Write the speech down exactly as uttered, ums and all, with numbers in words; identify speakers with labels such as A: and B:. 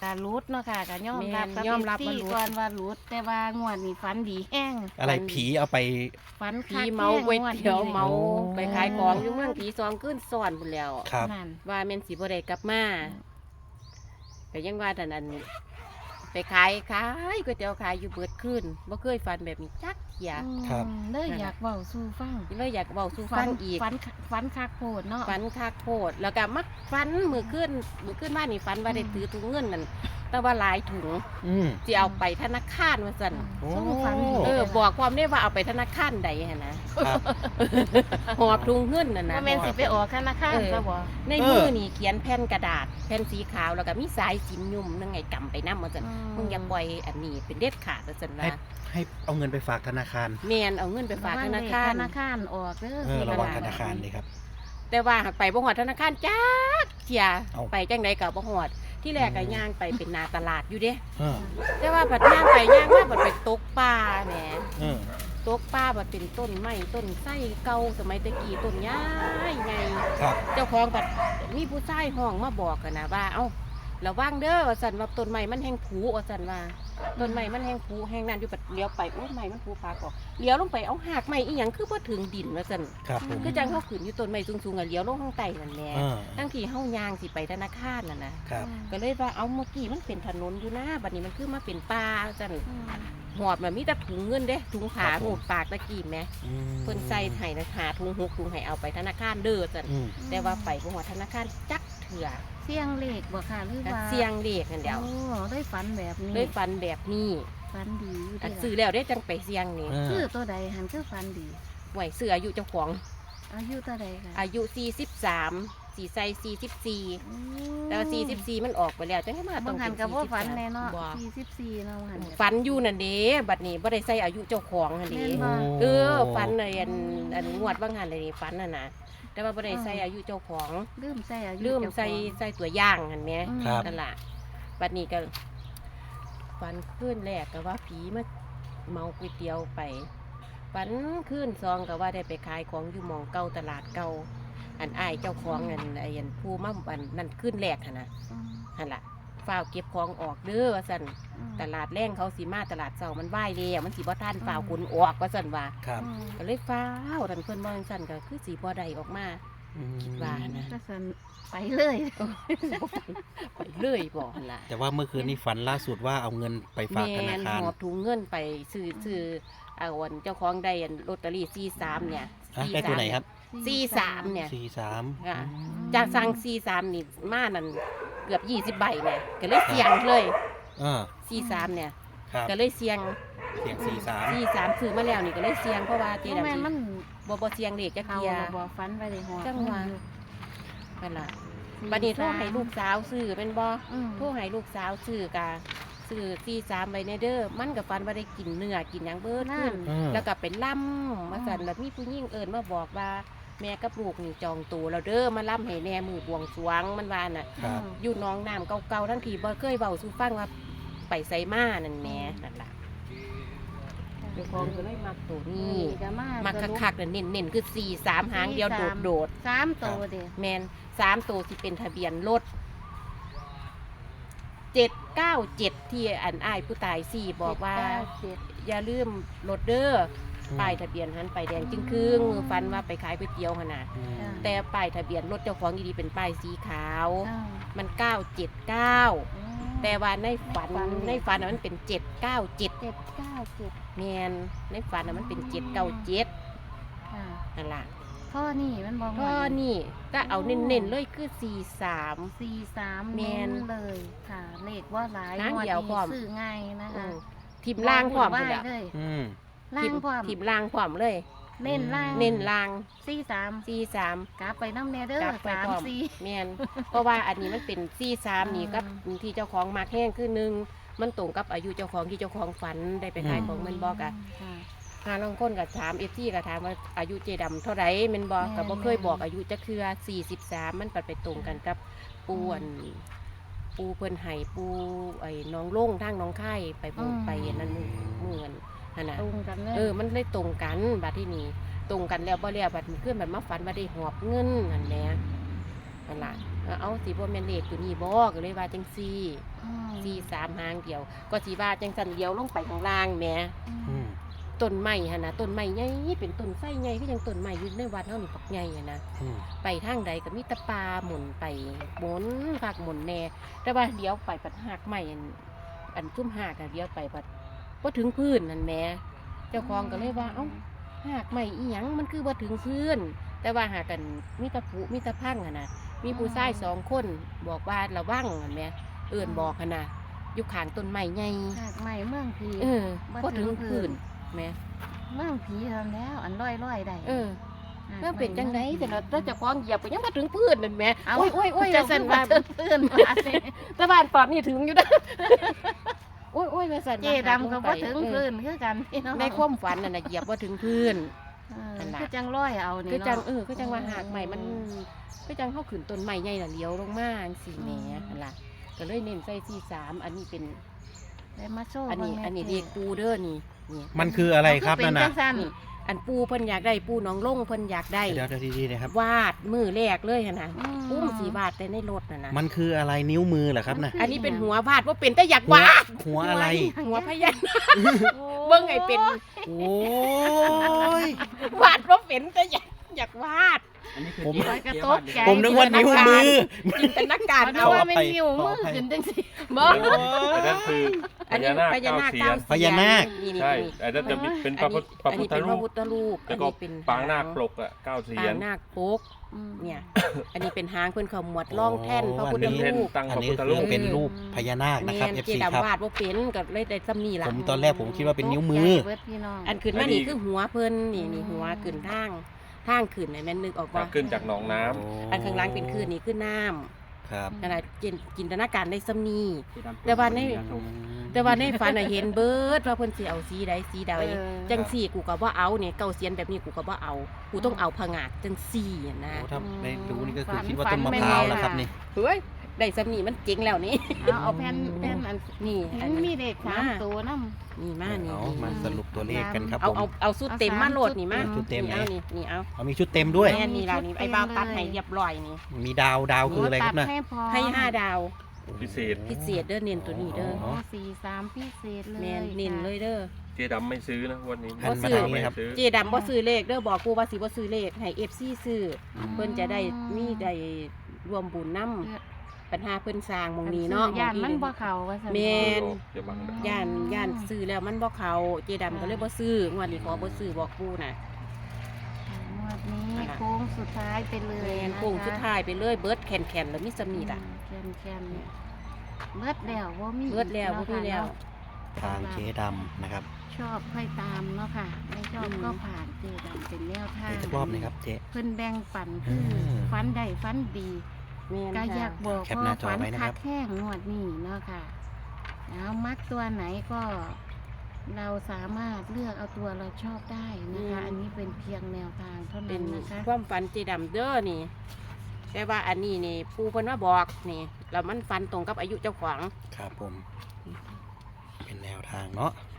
A: ก็รุดเนาะค่ะก็ยอมรับกับ
B: ยอมรับ
A: ที่
B: ว่ารุด
A: ก่อนว่ารุดแต่ว่างวดนี้ฝันดีแห้ง
C: อะไรผีเอาไป
A: ฝัน
B: ผี
A: คัก
B: เมาก๋วยเตี๋ยว
A: แห้งง
B: เมา
C: โอ้
B: ไปขายของอยู่เมืองตีสองขึ้นซ้อนพุ่นแล้ว
C: ครับ
A: นั่น
B: ว่าแม่นสิบ่ได้กลับมาก็ยังว่าแต่นั้นไปขายขายก๋วยเตี๋ยวขายอยู่เบิดคืนบ่เคยฝันแบบนี้จักเที่ย
C: ครับ
A: อืมเลยอยากเว้าสู่ฟัง
B: เลยอยากเว้าสู่ฟังอีก
A: ฝันฝันคักโพดเนาะ
B: ฝันคักโพดแล้วก็มักฝันมื้อคืนมื้อคืนมานี่ฝันว่าได้ถือถุงเงินนั่นแต่ว่าหลายถุง
C: อืม
B: สิเอาไปธนาคารว่าซั่น
C: โอ้
A: สู้ฝันดี
B: เออบอกความได้ว่าเอาไปธนาคารใดหั่นนะครับ หอบถุงเงินนั่นนะ
A: ว่าแม่นสิไปออกธนาคาร
B: เออ
A: ซะบ่
B: ในมือนี่เขียนแผ่นกระดาษแผ่นสีขาวแล้วก็มีสายสิญยุ่มนั่งไงกำไปนำว่าซั่นมึงอย่าปล่อยอันนี้เป็นเด็ดขาดว่าซั่น
C: ให้
B: ว่า
C: ให้เอาเงินไปฝากธนาคาร
B: แม่นเอาเงินไปฝากธนาคาร
A: ธนาคารออกเด้อ
C: เออ
A: สิ
C: ระวัง
A: ก
C: ธ
A: ดษ
C: นาคารเลยครับ
B: แต่ว่าหากไปบ่ฮอดธนาคารจักเที่ย
C: เอา
B: ไปจังไดก็บ่ฮอดที่แรกก็ย่างไปเป็นหนาตลาดอยู่เด้
C: เออ
B: แต่ว่าบัดย่างไปย่างมาบัดไปตกปลาแหม
C: เออ
B: ตกปลาบัดเป็นต้นไม้ต้นไส้เก่าสมัยตะกี้ต้นใหญ่ใหญ่
C: ครับ
B: เจ้าของบัดมีผู้ชายห้องมาบอกกันนะว่าเอ้าระวังเด้อว่าซั่นว่าต้นไม้มันแห้งผุว่าซั่นว่าต้นไม้มันแห้งผุแห้งนั่นอยู่บัดเลี้ยวไปโอ้ยไม้มันผุปากออกเลี้ยวลงไปเอาหากไม้อีหยังคือบ่ถึงดินว่าซั่น
C: ครับผม
B: คือจังเฮาขึ้นอยู่ต้นไม้สูงๆอ่ะเลี้ยวลงข้างใต้นั่นแหละ
C: เออ
B: ทั้งที่เฮายางสิไปธนาคารนั่นน่ะ
C: ครับ
B: ก็เลยว่าเอาเมื่อกี้มันเป็นถนนอยู่นะบัดนี้มันคือมาเป็นป่าจัง
A: อืม
B: หอบมันมีแต่ถุงเงินเด้ถุงผา
C: ครับผม
B: หูดปากตะกี้แหม
C: อืม
B: เพิ่นใส่ให้นะหาถุงหกถุงให้เอาไปธนาคารเด้อจัง
C: อืม
B: แต่ว่าไปบ่ฮอดธนาคารจักเถื่อ
A: เสียงเลขบ่ค่ะหรือ
B: ก็
A: ว่า
B: เสียงเลขนั่นเดียว
A: โอ้ได้ฝันแบบนี้
B: เลยฝันแบบนี้
A: ฝันดีอยู่
B: อัน
A: เด้
B: ซื้อแล้วได้จังไปเสียงนี่
C: เออ
A: ชื่อตัวใดหันคือฝันดี
B: ไหวซื้ออายุเจ้าของ
A: อายุตัวใดค่ะ
B: อายุสี่สิบสามสีใส่สี่สิบสี่แต่ว่าสี่สิบสี่มันออกไปแล้วจังให้มา
A: บา
B: ต้อง ง
A: หั
B: เป็น น
A: กับว่า
B: สี่สิบ
A: ฝัน
B: สาม
A: แน่เนาะ
B: บ่
A: สี่สิบสี่เนาะหัน
B: ฝันอยู่นั่นเด้บัดนี้บ่ได้ใส่อายุเจ้าของหั่น
A: แม่
B: เด้
A: นบ่
B: เออฝันเลยอันอันงวดว่างหันเลยนี่ฝันน่ะนะแต่ว่าบ่ได้ใส่อายุเจ้าของ
A: ลืมใส่อายุ
B: ลืมใส่
A: เจ้าของ
B: ใส่ตัวอย่างหั่นแหม
A: อืม
C: ครับ
B: นั่นล่ะบัดนี้ก็ฝันขึ้นแรกก็ว่าผีมาเมาก๋วยเตี๋ยวไปฝันขึ้นซองก็ว่าได้ไปขายของอยู่หมองเก่าตลาดเก่าอันอ้ายเจ้าของอันไอ้อันผู้มาอันนั่นขึ้นแรกหั่นน่ะ
A: อืม
B: หั่นล่ะฝ้าวเก็บของออกเด้อว่าซั่น
A: อืม
B: ตลาดแรงเขาสิมาตลาดเช้ามันไหว้แล้วมันสิบ่ทันฝ้าวขนออกว่าซั่นว่า
C: ครับ
A: อืม
B: ก็เลยฟ้าวทันเพิ่นบ่จังซั่นก็คือสิบ่ได้ออกมา
C: อืม
B: คิดว่านะ
A: ก็สันไปเลย
B: ไปเลยบ่หั่นล่ะ
C: แต่ว่าเมื่อคืนนี้ฝันล่าสุดว่าเอาเงินไปฝากธ
B: แม่
C: นาน คาร
B: หอบถุงเงินไปซื้อซื้อเอาอันเจ้าของได้อันลอตเตอรี่สี่สามเนี่ย
C: อ่ะได้ตัวไหนครับ
B: สี่สามเนี่ย
C: สี่สาม
B: ค่ะ
C: อืม
B: จากสั่งสี่สามนี่มานั่นเกือบยี่สิบใบเนี่ยก็เลยเสี่ยงเลย
C: เออ
B: สี่สามเนี่ย
C: ครับ
B: ก็เลยเสี่ยง
C: เสียงสี่สาม
B: สี่สามซื้อมาแล้วนี่ก็เลยเสี่ยงเพราะว่าเจ
A: โอ้
B: ดำ
A: แม่นมัน
B: บ่บ่เสี่ยงเลขจัก
A: เขา
B: เทีย
A: น่ะบ่ฟันไปเลยหัว
B: จังหวะ นั่นล่ะบัดนี้โทรให้ลูกสาวซื้อเป็นบ่
A: อืม
B: โทรให้ลูกสาวซื้อกะซื้อสี่สามใบในเด้อมันกับฟันว่าได้กินเนื้อกินหยังเบิดขึ้น
C: เออ
B: แล้วก็เป็นล่ำมาสั่นแล้วมีผู้หญิงเอิญมาบอกว่าแม่กับลูกนี่จองตัวแล้วเด้อมาล่ำให้แน่มือบวงสรวงมันว่าน่ะ
C: ครับ
B: อยู่หน้องน้ำเก่าๆทั้งทีบ่เคยเว้าสู่ฟังว่าไปไสมานั่นแหม่นั่นล่ะเจ้าของก็เลยมักตัวนี้
A: ก็มา
B: มักคักๆเน้นๆคือสี่สามหางเดียวโดด
A: สามตัวเด้
B: ๆแม่นสามตัวสิเป็นทะเบียนรถเจ็ดเก้าเจ็ดที่อันอ้ายผู้ตายสี่บอกว่า
A: เจ็ด
B: อย่าลืมรถเด้อ
C: อืม
B: ป้ายทะเบียนหันไปแดงจึงครึ่งมือฟันว่าไปขายก๋วยเตี๋ยวขนาด
C: อืม
B: แต่ป้ายทะเบียนรถเจ้าของดีๆเป็นป้ายสีขาว
A: เก้า
B: มันเก้าเจ็ดเก้า
A: อืม
B: แต่ว่าในฝัน
A: ฝัน
B: ในฝันน่ะมันเป็นเจ็ดเก้าเจ็ด
A: เจ็ดเก้าเจ็ด
B: แมนในฝันน่ะมันเป็นเจ็ดเก้าเจ็ด
A: ค่ะ
B: นั่นล่ะ
A: ท่อนี่มันบอก
B: ก็นี่ก็เอาเน้นๆเลยคือสี่สาม
A: สี่สาม
B: แม่
A: เน้
B: น
A: นเลยค่ะ เลขว่าหลาย
B: หาง
A: งวด
B: เดียว
A: นี้
B: พร้อม
A: ซื้อง่ายนะคะ
B: ทิมล่างพร้อม
A: ไหว
B: พุ่นแล้ว
A: เลย
C: อืม
A: ล่างพร้อม
B: ทิมล่างพร้อมเลย
A: เน้นล่าง
B: เน้นล่าง
A: สี่สาม
B: สี่สาม
A: กลับไปน้ำเนเดอร์
B: กลับไป
A: สาม
B: พร้อม
A: สี่
B: แมนเพราะว่าอันนี้มันเป็นซี่สามนี่
A: อืม
B: กับที่เจ้าของมาแห้งคือหนึ่งมันตรงกับอายุเจ้าของที่เจ้าของฝันได้ไปขายของแมันบอกอะ
A: ค่ะ
B: หาลองคนกับถามเอฟซีกับถามว่าอายุเจดำเท่าไหร่แมันบอก
A: แม่น
B: กับบ่เคยบอกอายุจะคือสี่สิบสามมันปัดไปตรงกันกับปูอันปูเพิ่นไห้ปูไอ้น้องล่งทางน้องไข่ไปบนไปอันนั้นเหมือนนั่นน่ะ
A: ตรงกันเลย
B: เออมันเลยตรงกันบัดที่นี่ตรงกันแล้วบ่แล้วบัดมันขึ้นบัดมาฝันว่าได้หอบเงินนั่นแหละนั่นล่ะเอาสิบ่แม่นเลขตัวนี้บ่ก็เลยว่าจังซี่
A: อืม
B: สี่สามหางเดียว ก็สิว่าจังซั่นเดียวลงไปข้างล่างแหม
C: อืม
B: ต้นไม้หั่นน่ะต้นไม้ใหญ่เป็นต้นไส้ใหญ่คือจังต้นไม้อยู่ในวัดเฮานี่ปักใหญ่อะนะ
C: อืม
B: ไปทางใดก็มีแตะปลาหมุนไปหมุนฝากหมุนแน่แต่ว่าเดี๋ยวไปปัดหากใหม่อันอันซุ่มหากอะเดี๋ยวไปปัดบ่ถึงพื้นนั่นแหม่เจ้าของก็เลยว่าเอ้าหากใหม่อีหยังมันคือบ่ถึงพื้น แต่ว่าหากันมีแตะผูมีแตะพังอะนะมีผู้ชายสองคนบอกว่าระวังนั่นแหม่เอิ้นบอกหั่นน่ะอยู่ข้างต้นไม้ใหญ่
A: หากใหม่เมืองผี
B: เออ
A: บ่
B: บ่
A: ถึ
B: ถึ
A: ง
B: ง
A: พื้
B: พื้
A: น
B: นแหม่
A: เมืองผีทำแล้ว อันร้อยร้อยๆได้
B: เออ
A: หาก
B: แล้วเป็นจังได
A: ใหม่
B: แต่เราเราจะคล้องเหยียบไปยังมาถึงพื้นนั่นแหม่
A: เอา
B: โอ้ยโอ้ยโอ้ย
A: จะ
B: ว่า
A: สั่
B: ซั่
A: น
B: น
A: ว่า
B: ว่า
A: เพิ่นเพื่อนมาสิ
B: แต่บ้านปอดนี่ถึงอยู่นะ โอ้ยโอ้ยว่าซั่น
A: เจดำก็บ่ถึงพื้นคือกันพี่น้อง
B: ในความฝันนั่นน่ะเหยียบบ่ถึงพื้น
A: เออ
B: นั่นล่ะ
A: คือจังร้อยเอานี่
B: คือจัง
A: เนาะ
B: เออคือจังว่าหากใหม่มันคือจังเฮาขึ้นต้นไม้ใหญ่น่ะเลี้ยวลงมาจังซี่แหมนั่นล่ะก็เลยเน้นใส่สี่สามอันนี้เป็น
A: ได้มาโชว์
B: อันนี้
A: เบิ่งแ
B: อันนี้เด็กปูเด้อนี่นี่
C: มันคืออะไรครับ
A: เอา
C: นั่น
A: เป็
C: น่ะ
A: จังซั่น
B: นี่อันปูเพิ่นอยากได้ปูหน้องลงเพิ่นอยากได้
C: เดี๋ยวเดี๋ยวดีๆนะครับ
B: วาดมือแรกเลยหั่นน่ะ
A: อืม
B: ปุ้มสีวาดแต่ในรถน่ะนะ
C: มันคืออะไรนิ้วมือเหรอครับน่ะ
B: อันนี้เป็นหัววาดว่าเป็นแต่อยาก
C: หัว
B: วาด
C: หัวอะไร
B: หัวพญานาคเบิ่งไงเป็น
C: โอ้ย
B: วาดว่าเป็นแต่อยากอยากวาด
D: อันนี้คือ
C: ผม
D: เจ๊
A: กระ
D: เจ๊
A: ต
D: วาก ด
A: ใจ
C: ผมนึกว่านิ้วมือ
B: จินตนาการ
A: เอา
B: เอา
A: ว่า
C: ขออภั
A: ไม่
C: ย
A: นิ้ว
C: ขอ
A: มื
C: อ
A: อ
C: ภัย
A: ขึ้นจังซี่
B: บ่
D: อันนั้นคือพ
B: อันนี้
D: ญานาค
B: พญา
D: เก้า
B: นาค
D: เสีย
B: เก้าน
C: พญานาค
B: นี่นี่
D: ใช่
B: นี่
D: อันนั้นจะมีเป็นพ
B: อั
D: ระ
B: น
D: พุ
B: นี้
D: ทธพระ
B: อัน
D: พุท
B: นี้
D: ธ
B: เป็นพ
D: รู
B: ระ
D: ป
B: พุทธรูป
D: แล้วก็
B: อันนี้เป็น
D: ปางนาค
B: ห
D: ปลกอ่ะเก้าเสีย
B: ปาน งนาคปก
A: อืม
B: เนี่ย อันนี้เป็นหางเพิ่นเขาหมวดร่องแท่นพระพุทธ
C: อันนี้
B: รูป
D: ตั้ง
C: อั
D: พ
C: น
D: ระ
C: นี้
D: พุทธ
C: คื
D: รู
C: อ
D: ป
C: เป็นรูปพญานาคนะครับ
B: แม่
C: เอฟ
B: เจ
C: ซีครับ
B: ดำวาดว่าเป็นก็เลยได้ซ้ำนี่ล่ะ
C: ผมตอนแรกผมคิดว่าเป็นนิ้วมือ
A: ตกใจเบิดพี่น้อง
B: อันขึ้นมานี่คือหัวเพิ่นนี่นี่หัวขึ้นทางทางขึ้นน่ะแม่นนึกออกบ่
D: ขึ้นจากหนองน้ำ
B: อันข้างล่างเป็นขึ้นนี่คือน้ำ
C: ครับ
B: นั่นน่ะจินจินตนาการได้ซ้ำนี่
D: เจ๊ดำ
B: แต่ว่าใน
C: อืม
B: แต่ว่าในฝันน่ะเห็นเบิดว่าเพิ่นสิเอาสีใดสีใด
A: เออ
B: จังสี่กูก็บ่เอาเนี่ยเก่าเสียนแบบนี้กูก็บ่เอา กูต้องเอาผงาดจังสี่อะนะ
C: โอ้ถ้าได้รู้นี่ก็คือ
A: ฝัน
C: คิดว่า
A: ฝั
C: ต้
A: น
C: นมะ
A: ไม่
C: พร้าว
A: แน่
C: แล้วครับ
A: ค่ะ
C: นี่
B: เฮ้ยได้ซ้ำนี่มันเจ๋งแล้วนี่
A: เอาเอาแผ่นแผ่นอัน
B: นี่อัน
A: มันมี
B: นี้
A: เด็กสามตัวนำ
B: นี่มานี่
C: เอามาสรุปตัวเลขกันครับ
B: เอา
C: ผม
B: เอาเอาสุดเต็มมาโหลดนี่มา
C: ชุดเต็ม
B: นี่เอา
C: ไหน
B: นี่นี่เอา
C: เอามีชุดเต็มด้วย
B: แม่นี่ล่ะนี่ไอ้บ้าวตัดให้เรียบร้อยนี่
C: มีดาวดาวคืออะไรครับ
A: ตั
C: นะ
A: ดให้พอ
B: ให้ห้าดาว
D: พิเศษ
B: พิเศษเด้อเน้นตัวนี้เด้อ
A: โอ้สี่สามพิเศษเลย
B: แม่นเน้นเลยเด้อ
D: เจ๊ดำไม่ซื้อนะวันนี้
C: หันมา
B: ซื้อ
C: ทางนี้ครับ
D: ซื้อ
B: เจดำบ่ซื้อเลขเด้อบอกกูว่าสิบ่ซื้อเลขให้ เอฟ ซี ซื้อเพิ่นจะได้มีได้รวมบุญนำปัญหาเพิ่นสร้างหม่องนี้เนาะ
A: ย่าน
B: ห
A: มั
B: อน ง
A: บ่เข้าว่าซั่น
B: แม่น
D: อย่าบังนะ
B: ย่านย่านซื้อแล้วมันบ่เข้าเจดำก็เลยบ่ซื้องวดนี้ขอบ่ซื้อบอกกูน่ะ
A: งวดนี้
B: นั่นน่ะ
A: โค้งสุดท้ายไปเลย
B: แม่น
A: นะคะ
B: โค้งสุดท้ายไปเลยเบิดแคนๆแล้วมีสำนีล่ะ
A: แคนแคนเบิดแล้วว่ามี
B: เบิดแล้วบ่มีแล้ว
C: ทางเจ๊ดำนะครับ
A: ชอบค่อยตามเนาะค่ะ ไม่ชอบ
B: อืม
A: ก็ผ่านเจดำเป็นแนวทาง
C: เดี๋ยวจะรอบหนึงครับเจ๊
A: เพิ่นแบ่งปันคือ
C: อืม
A: ฟันใดฟันดี
B: แม่น
A: ก็อยา
B: ค่ะ
A: กบอก
C: แคปหน้าจอ
A: ฝัน
C: ไว้นะครับ
A: คักแห้งงวดนี้เนาะค่ะแล้วมักตัวไหนก็ เราสามารถเลือกเอาตัวเราชอบได้นะคะ อันนี้เป็นเพียงแนวทางเท่า
B: เป็
A: นั้น นนะคะ
B: ความฝันเจดำเด้อนี่ แต่ว่าอันนี้นี่ปู่เพิ่นมาบอกนี่แล้วมันฟันตรงกับอายุเจ้าของ
C: ครับผม เป็นแนวทางเนาะ